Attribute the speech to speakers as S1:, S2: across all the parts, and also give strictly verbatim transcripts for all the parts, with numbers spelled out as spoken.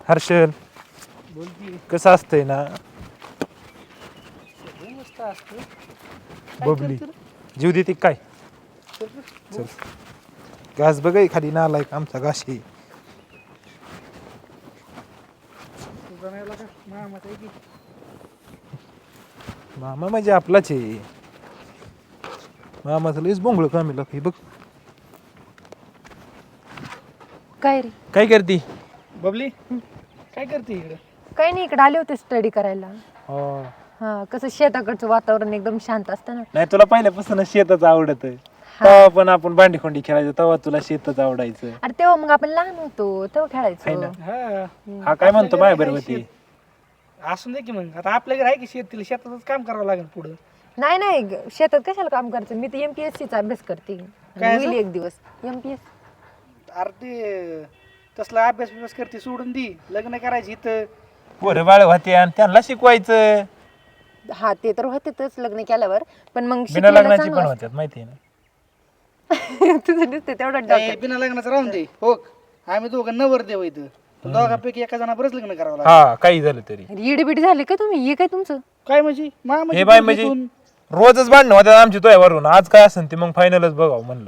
S1: हर्षल
S2: बोल की
S1: कसं असतंय ना
S2: सगळं मस्त असतं. काय
S1: बबली
S2: करतो रे?
S1: जीव देते काय
S2: चल रे,
S1: चल
S2: बोल.
S1: घास बघाय खाली नालाय आमचा घाशी
S2: तुझा नाही आला का मामाचा आहे की
S1: मामा म्हणजे आपलाच आहे मामाचं लईच बोंगळ कामी लागते बघ
S3: काय रे?
S1: काय करती
S2: बबली काय करते इकडे
S3: काही नाही, इकडे आले होते स्टडी करायला.
S1: हो
S3: हा, कसं शेताकडचं वातावरण एकदम शांत असतं ना.
S1: नाही तुला पहिल्यापासून शेतच आवडत तेव्हा पण आपण भांडीखोंडी खेळायचो तेव्हा तुला शेतच आवडायचं
S3: अरे तेव्हा मग आपण लहान होतो तेव्हा
S1: आहे
S3: खेळायचो.
S1: ना.
S2: हा
S1: हा काय म्हणतो
S2: आपल्या
S1: माय
S2: घरी
S1: बरोबर
S2: आहे शेत. असून दे की मग आता आपल्या घरी आहे की शेत तिला शेतातच काम करावं लागेल पुढं
S3: नाही नाही ग- शेतात कशाला काम करायचं, मी तर एमपीएससी चा अभ्यास करते.
S2: काय
S3: होईल
S2: असं?
S3: एक दिवस एमपीएस.
S2: अरे ते तसला अभ्यास बिभ्यास करते सोडून दी लग्न करायची इथं
S1: पोरं बाळ होते आणि त्यांना शिकवायचं
S3: हा ते तर होतेच लग्न केल्यावर, पण मग
S1: बिना
S3: शिकलेलं
S1: लग्नाची
S3: चांगलं
S1: पण
S3: असतं.
S1: होत्यात माहिती आहे ना
S3: तुझं दिसते तेवढं
S2: ए,
S3: डॉक्टर.
S2: बिना लग्नाचं राहून दे हो आम्ही दोघं नवर देव इथं तू दोघांपैकी एका जणाबरच लग्न करावं लागेल
S1: हा काही झालं तरी
S3: इडबिड झाले का तुम्ही? हे काय तुमचं?
S2: काय म्हणजे मामा
S1: हे बाय म्हणजे रोजच भांडणं होत्या आमची तुझ्यावरून आज काय असेल ते मग फायनलच बघावं म्हणलं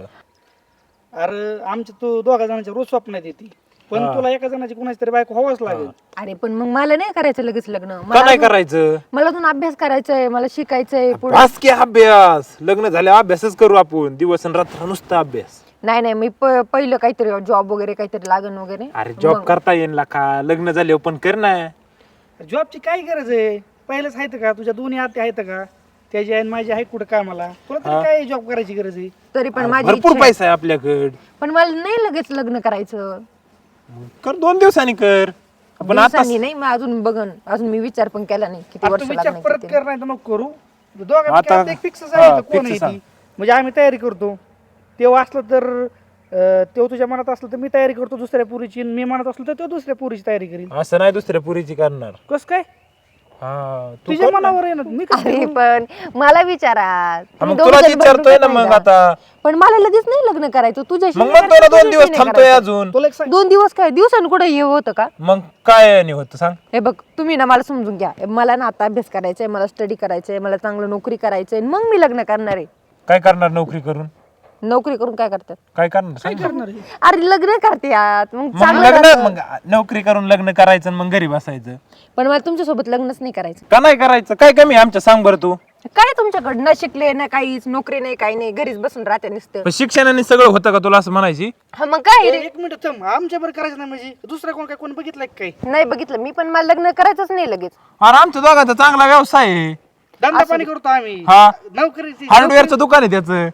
S2: अरे आमच्या तू दोघा जणांच्या रोज स्वप्नात येते पण
S1: हा.
S2: तुला एका जणाची कुणाची तरी बायको हवाच लागेल
S3: अरे पण मग मला नाही करायचं लगेच लग्न.
S1: का
S3: मला
S1: नाही
S3: अजून-
S1: करायचं
S3: मला अजून अभ्यास करायचंय, मला शिकायचंय पुढे.
S1: बस की अभ्यास लग्न झाल्यावर अभ्यासच करू आपण दिवस आणि रात्र नुसता अभ्यास
S3: नाही नाही मी प- पहिलं काहीतरी जॉब वगैरे काहीतरी लागन वगैरे.
S1: अरे जॉब करता येईल ना का लग्न झाल्यावर पण कर ना
S2: जॉबची काय गरज आहे पहिलेच आहेत का तुझ्या दोन्ही आत्या आहेत का त्याची आहे आणि माझी आहे कुठं कामाला तुला तरी काय जॉब करायची गरज आहे
S3: तरी पण माझी
S1: भरपूर
S3: इच्छा आहे.
S1: पैसा आहे आपल्याकडे
S3: पण मला नाही लगेच लग्न करायचं.
S1: कर दोन दिवसांनी कर आपण आता
S3: दिवसांनी नाही, मी अजून बघन, अजून मी विचार पण केला नाही किती
S2: आता
S3: वर्ष
S2: तू विचार
S3: लागणार
S2: परत
S3: किती.
S2: कर नाही तर नको करू दोघांपैकी
S1: आता-
S2: आता एक फिक्स
S1: हा,
S2: आहे कोण
S1: fix
S2: आहे
S1: सांग.
S2: ती म्हणजे आम्ही तयारी करतो तेव्हा असलं तर अं, तेव्हा तुझ्या मनात असलं तर मी तयारी करतो दुसऱ्या पुरीची आणि मी मनात असलं तर तो दुसऱ्या पुरीची तयारी करीन
S1: असं नाही दुसऱ्या पुरीची करणार
S2: कस काय
S1: हा तू
S2: तुझ्या
S1: कर ना.
S2: मनावर आहे ना मी कसं
S3: अरे
S2: करू?
S3: पण मला विचारा.
S1: हा,
S3: तुम्ही
S1: मग
S3: दोघं
S1: तुला
S3: जण
S1: विचारतोय ना
S3: बरोबर
S1: मग
S3: नाही
S1: आता
S3: का? पण मला लगेच नाही लग्न करायचं तुझ्याशी.
S1: मग
S3: नाही
S1: म्हणतोय ना
S3: करायचं,
S1: दोन दिवस
S3: तुझ्याशी नाही
S1: थांबतोय
S3: करायचं.
S1: अजून
S2: तुला एक सांग
S3: दोन दिवस काय दिवसांनी कुठे हे होतं का?
S1: मग काय नाही होत सांग
S3: हे बघ तुम्ही ना मला समजून घ्या, मला ना आता अभ्यास करायचा आहे, मला स्टडी करायचंय आहे, मला चांगलं नोकरी करायची आहे, मग मी लग्न करणार आहे.
S1: काय करणार नोकरी करून
S3: नोकरी करून काय करतात?
S1: काय करणार
S2: काय
S1: सांग ना.
S2: करणार आहे?
S3: अरे लग्न करते यात मग
S1: मग
S3: चांगलं
S1: लग्न
S3: राहतं.
S1: मग नोकरी करून लग्न करायचं आणि मग घरी बसायचं
S3: पण मला तुमच्यासोबत लग्नच नाही करायचं.
S1: का नाही करायचं काय कमी आहे आमच्या सांग बरं तू
S3: काय तुमच्याकडं न शिकले ना काहीच, नोकरी नाही काही नाही, घरीच बसून राहते नुसतं.
S1: पण शिक्षणाने सगळं होतं का तुला असं म्हणायची
S3: हा मग काय रे?
S2: एक मिनिट थांब आमच्या बरं करायचं नाही म्हणजे दुसरा कोण काय कोण बघितलं का काही
S3: नाही बघितलं मी, पण मला लग्न करायचंच नाही लगेच.
S1: अरे आमच्या दोघांचा चांगला व्यवसाय आहे
S2: धंदा पाणी करतो आम्ही
S1: हा.
S2: नोकरीची
S1: हार्डवेअरचं दुकान आहे त्याचं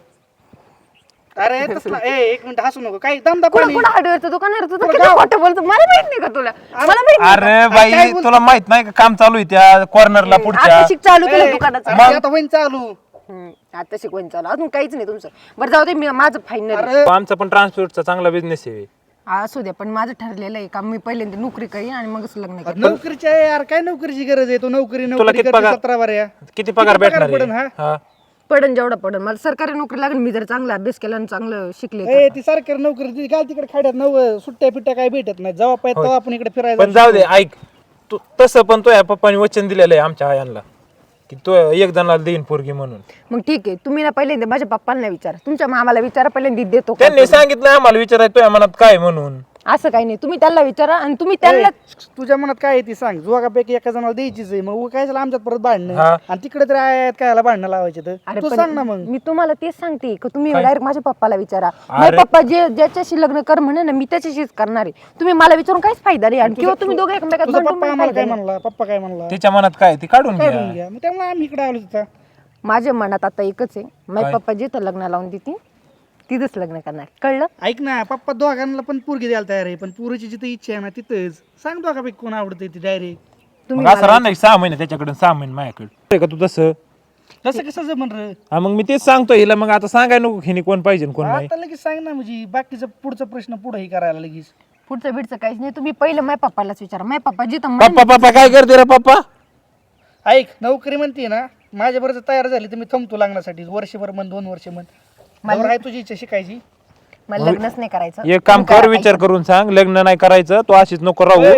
S2: अरे तसला ए एक मिनिट हसू नको काही धंदा
S3: कुठं
S2: पाणी
S3: कुठं हार्डवेअरचं दुकान आहे रे? तुझं किती खोटं बोलतो, मला माहित नाही का तुला? मला माहित नाही.
S1: अरे बाई तुला माहित नाही का काम चालू आहे त्या कॉर्नरला पुढच्या
S3: आता शिक चालू केलं
S2: ए,
S3: दुकानाचं.
S2: अरे आता होईन चालू
S3: हम्म, आता शिकवण चालू अजून काहीच नाही तुमचं. बरं जाऊ दे, मी माझं फायनल
S2: अरे
S1: आमचा पण ट्रान्सपोर्टचा चांगला बिझनेस आहे
S3: असू द्या, पण माझं ठरलेलं आहे का मी पहिल्यांदा नोकरी करीन आणि मगच लग्न करेन.
S2: नोकरीची आहे यार काय नोकरीची गरज आहे तो नोकरी
S1: तुला
S2: नोकरी
S1: किती
S2: करते
S1: पगार?
S2: सतरा बाऱ्या
S1: किती पगार
S2: पगार
S1: भेटणार
S2: पडेल,
S1: आहे? हा
S3: पडन जेवढा पडन, मला सरकारी नोकरी लागेल मी जर चांगला अभ्यास केला आणि चांगलं शिकले तर.
S2: ए ती सरकारी नोकरी ती घाल तिकडे खाड्यात नव सुट्ट्या पिट्ट्या काय भेटत नाही जेव्हा पाहिजे तेव्हा आपण इकडे फिरायचं
S1: पण जाऊ दे ऐक तू तसं पण तो या पप्पाने वचन दिलेलं आहे आमच्या आयांना की तो एक जणाला देईन पोरगी म्हणून
S3: मग ठीक आहे, तुम्ही ना पहिल्यांदा माझ्या पप्पांना विचारा, तुमच्या मामाला विचारा, पहिल्यांदा देतो का?
S1: त्यांनी सांगितलं आम्हाला विचारायचं तुझ्या मनात काय म्हणून
S3: असं काही नाही, तुम्ही त्यांना विचारा आणि तुम्ही त्यांना.
S2: तुझ्या मनात काय आहे ती सांग जोगापैकी एका जणाला द्यायचीच आहे मग काय झालं आमच्यात परत भांडणं
S1: हा.
S2: आणि तिकडे तरी आहेत काय भांडणं लावायचे तर
S3: अरे
S2: तू
S3: पण
S2: सांग ना मग
S3: मी तुम्हाला तेच सांगते की तुम्ही डायरेक्ट माझ्या पप्पाला विचारा. माझे
S1: अरे.
S3: पप्पा जे ज्याच्याशी लग्न कर म्हणे ना मी त्याच्याशीच करणार आहे. तुम्ही मला विचारून काहीच फायदा नाही आणि किंवा तुम्ही दोघे एकमेकात
S2: तुझा
S3: भांडून
S2: पप्पा
S3: पण
S2: आम्हाला
S3: फायदा
S2: काय
S3: नाही.
S2: म्हणला पप्पा काय म्हणला
S1: तिच्या मनात काय ती काढून
S2: काढून
S1: घ्या
S2: घ्या मग त्यामुळे आम्ही इकडे आलो तिथं
S3: माझ्या मनात आता एकच आहे, माझे
S1: काय?
S3: पप्पा जिथं लग्न लावून देतील तिथंच लग्न करणार, कळलं?
S2: ऐक ना पप्पा दोघांना पण पोरगी द्यायला तयार आहे पण पोरीची जिथे इच्छा आहे ना तिथंच सांग दोघापैकी कोण आवडते ती डायरेक्ट
S3: तुम्ही
S1: मग असं राहणार सहा महिने त्याच्याकडे सहा महिने माझ्याकडे का तू तसं
S2: तसं कसं जमन रे
S1: हा मग मी तेच सांगतो हिला मग आता सांगाय नको हिने कोण पाहिजे आणि कोण नाही
S2: आता लगेच सांग ना म्हणजे बाकीचा पुढचा प्रश्न पुढे हे करायला लगेच
S3: पुढचं बिडचं काहीच नाही, तुम्ही पहिलं माझ्या पप्पालाच विचारा. माझ्या पप्पा जिथं म्हणेन
S1: पप्पा पप्पा काय करते रे पप्पा
S2: ऐक नोकरी म्हणते ना माझ्या बरोबर तयार झाली तर मी थांबतो लागण्यासाठी वर्षभर म्हण दोन वर्ष म्हण मला आहे तुझी इच्छा शिकायची
S3: मला लग्नच नाही करायचं.
S1: एक काम कर विचार करून सांग लग्न नाही करायचं तू अशीच नको राहू
S2: ए,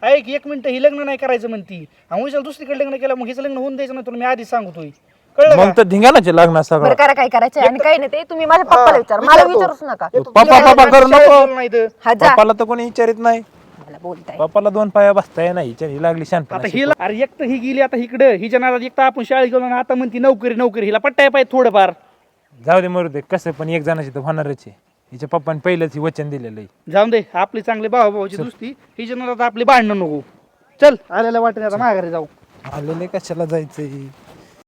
S2: ऐक एक मिनिट ही लग्न नाही करायचं म्हणती आणि उशाला दुसरीकडे लग्न केलं मग हिचं लग्न होऊन द्यायचं नाही तुला मी आधीच सांगतोय कळलं
S1: मग
S2: का?
S1: तर धिंगाणाचे लागणार
S3: बरं
S1: सगळं.
S3: करा काय करायचं आणि काय नाही ते तुम्ही माझ्या पप्पाला विचार मला
S2: विचारतो.
S3: विचारूच नका
S2: एक तर
S1: पप्पा-
S2: तुला
S1: पप्पा करू
S2: शाळेत
S1: नको.
S2: गेलं नाही तर.
S3: हा जा
S1: पप्पाला तर कोणी विचारित नाही.
S3: मला बोलताय
S1: पप्पाला दोन पाया बसताय नाही हिच्या- ही लागली शानपणा
S2: आता
S1: शिकवायला.
S2: हिला अरे एक तर ही गेली आता इकडे हिच्या नादात एक तर आपण शाळेत गेलो आणि आता म्हणती नोकरी नोकरी हिला पट्टाय पाहिजे थोडंफार
S1: जाऊ दे मरू दे कसं पण एक जणाची तर होणारच आहे. हिच्या पप्पाने पहिलंच ही वचन दिलेलं आहे.
S2: जाऊन दे आपली चांगली भाऊ भाऊची दुसरी हिच्या नादात आपली भांडणं नको चल आलेल्या वाटेने आता माघारी जाऊ
S1: आलेले कशाला जायचंय.